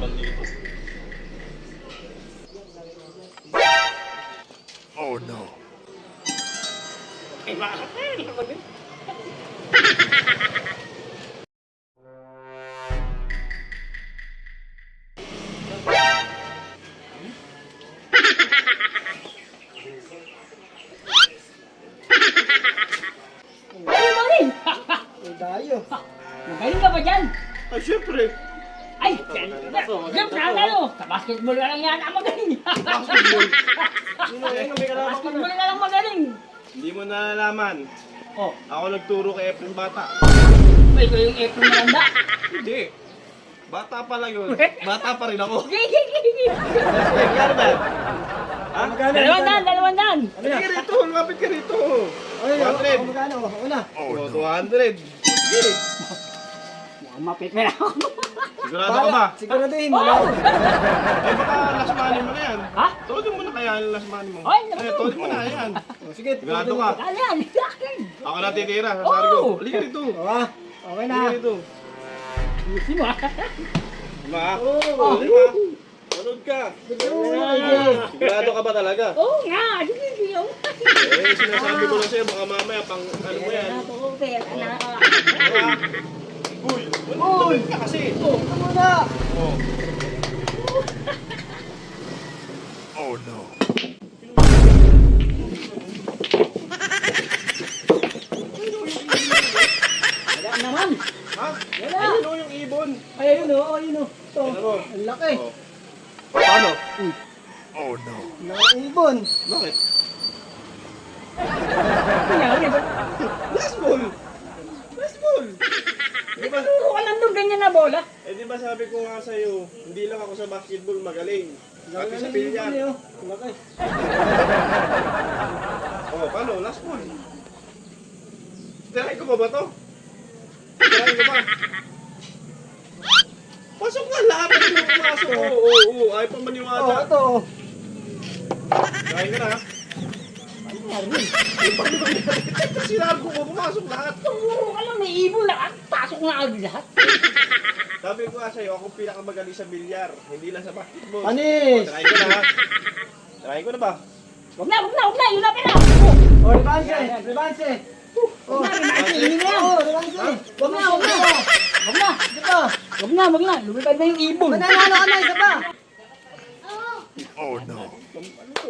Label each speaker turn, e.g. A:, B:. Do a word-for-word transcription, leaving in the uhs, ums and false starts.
A: laban dito.
B: Oh no.
C: Eh, bakit eh? Laban din. Ay, Marin!
D: Eh, tayo.
C: Magaling ka ba dyan?
A: Ay, syempre.
C: Ay, siyempre, ano? Sa basketball ka lang yata magaling.
A: Basketball.
D: Sino yun? May kalaban ka
C: Basketball
D: na.
C: ka lang magaling.
A: Hindi mo nalalaman.
C: Oh,
A: Ako nagturo kay Efren Bata.
C: may ko yung April Miranda.
A: Hindi. Bata pa lang yun. Bata pa rin ako.
C: Gigi, gigi.
A: Eh, kaya ba? Ha?
D: Magkano?
C: Dalawang daan, dalawang daan.
D: Ano yan?
A: Sige rito, lumapit ka rito.
D: Ay,
A: one hundred.
D: ako magkano? Una.
B: Oh
A: Oh,
B: no.
A: two hundred. Sige.
C: Mukhang mapipera ako.
A: Sigurado ka ba?
D: Siguraduhin mo.
C: Oh!
A: Eh baka last money mo na yan.
C: Ha?
A: Tolin mo na kaya yung last money mo.
C: Ay,
A: Eh, tolin mo na yan.
D: Oh, sige.
A: Sigurado ka.
C: Ano yan? Yakin.
A: Ako na titira sa sargo.
C: Oh!
A: Halika rito.
D: Oh, ah. Okay na.
A: Halika rito.
C: Ayusin mo ah.
A: Diba?
D: Oh.
A: Diba? Manood ka.
D: Oh.
A: Sigurado ka ba talaga?
C: Oo nga. Sige, sige. oh.
A: Eh, sinasabi ko lang sa'yo, baka mamaya pang ano mo yan.
C: Pera na to, pera na.
A: Diba? Uy! Uy! ka kasi.
D: Oh, ito muna.
A: Oh.
B: Oh no.
C: Wala naman.
A: Ha?
C: Wala.
A: Ayun o yung ibon.
D: Ay, ayun o. Oh, ayun o. Ito.
A: Ano mo?
D: Ang laki.
A: Oh. Paano?
B: Oh no.
D: Ang ibon.
A: Bakit?
C: Kunyari ba?
A: Last ball! Last ball! Di ba?
C: Turo ka lang doon ganyan na bola.
A: Eh di ba sabi ko nga sa'yo, hindi lang ako sa basketball magaling.
D: Laki
A: Pati sa
D: ng ibon
A: bilyar.
D: eh, oh. Ang laki.
A: Oh, paano? Last ball. Tirahin ko ba ba to? Tirahin ko ba? Pasok nga lahat ng mga pumasok. Oo, oo, oo. Ayaw pang
D: Oh,
A: maniwala.
D: ito. oh.
A: Tirahin ko na ha. Yung paano ba sinabi ko, pumasok lahat.
C: Turo ka lang, may ibon lahat. Pasok na agad lahat.
A: Sabi ko nga sa'yo, ako pinakamagaling sa bilyar. Hindi lang sa basketball.
D: Panis.
A: Tirahin ko na ha. Tirahin ko na ba?
C: Huwag na, huwag na, huwag na. Yun na pala.
D: Oh, rebanse. Rebanse. Oh,
C: Huwag na, rebanse. Yun na.
D: Oh, rebanse.
C: Huwag na, huwag na. Huwag na.
D: Ito.
C: Huwag na, huwag na. Lumipad na yung ibon.
D: Mananalo ka na, isa pa.
B: Oh no.
A: Ano to?